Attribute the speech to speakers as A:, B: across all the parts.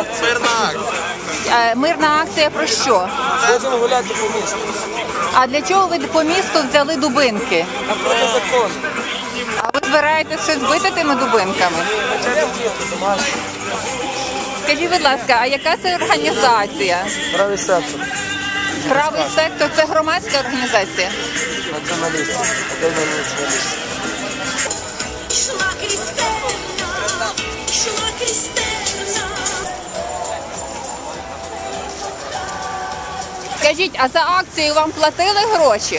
A: акція?
B: Мирна акція.
A: Мирна акція про що?
C: Будемо гуляти по місту.
A: А для чого ви по місту взяли дубинки?
C: А проти закону.
A: А ви збираєтесь щось бити тими дубинками?
C: Хоча б діти, домашні.
A: Скажіть, будь ласка, а яка це організація?
C: Правий сектор.
A: Правий сектор – це громадська організація?
C: Націоналісти. Академія націоналістів.
D: Шла Крістина, шла Крістина.
A: Скажіть, а за акцію вам платили гроші?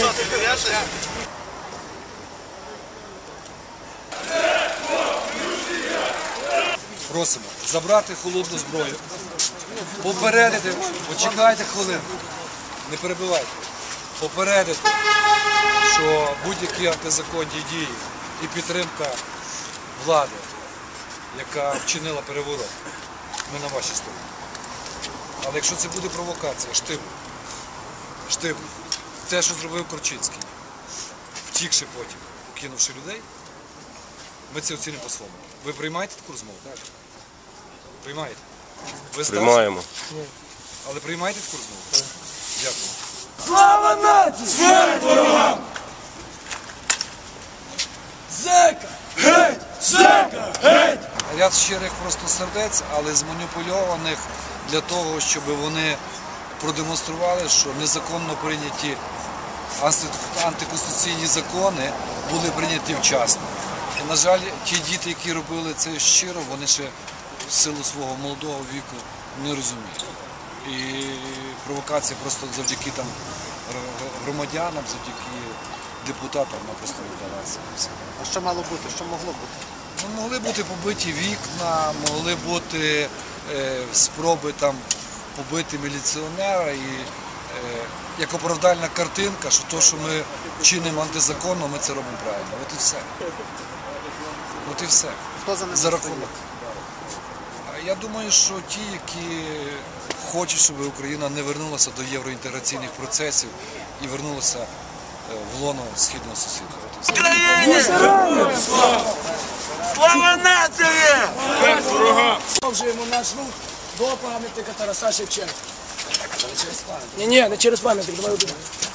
E: Просимо забрати холодну зброю, попередити, почекайте хвилинку, не перебивайте, попередити, що будь-які антизаконні дії і підтримка влади, яка вчинила переворот, ми на вашій стороні. Але якщо це буде провокація, штиб, те, що зробив Корчинський, втікши потім, кинувши людей, ми це оцінимо по-своєму. Ви приймаєте таку розмову? Так. Приймаєте? Ви
F: Приймаємо.
E: Але приймаєте таку розмову? Так. Дякую.
C: Слава нації! Смерть ворогам! Зека! Геть! Зека! Геть!
E: Ряд щирих просто сердець, але зманіпульованих для того, щоб вони продемонстрували, що незаконно прийняті антиконституційні закони були прийняті вчасно. І, на жаль, ті діти, які робили це щиро, вони ще в силу свого молодого віку не розуміють. І провокація просто завдяки там громадянам, завдяки депутатам вона просто не вдалася.
B: А що мало бути? Що могло бути?
E: Ну, могли бути побиті вікна, могли бути спроби там побити міліціонера і як оправдальна картинка, що то, що ми чинимо антизаконно, ми це робимо правильно. От і все. От і все.
B: Хто за ним
E: За рахунок. Я думаю, що ті, які хочуть, щоб Україна не вернулася до євроінтеграційних процесів і вернулася в лоно східного сусіда. От і все.
B: Слава нації!
C: Продовжуємо наш рух до пам'ятника Тараса Шевченка. Ні, не через пам'ятник, давай один.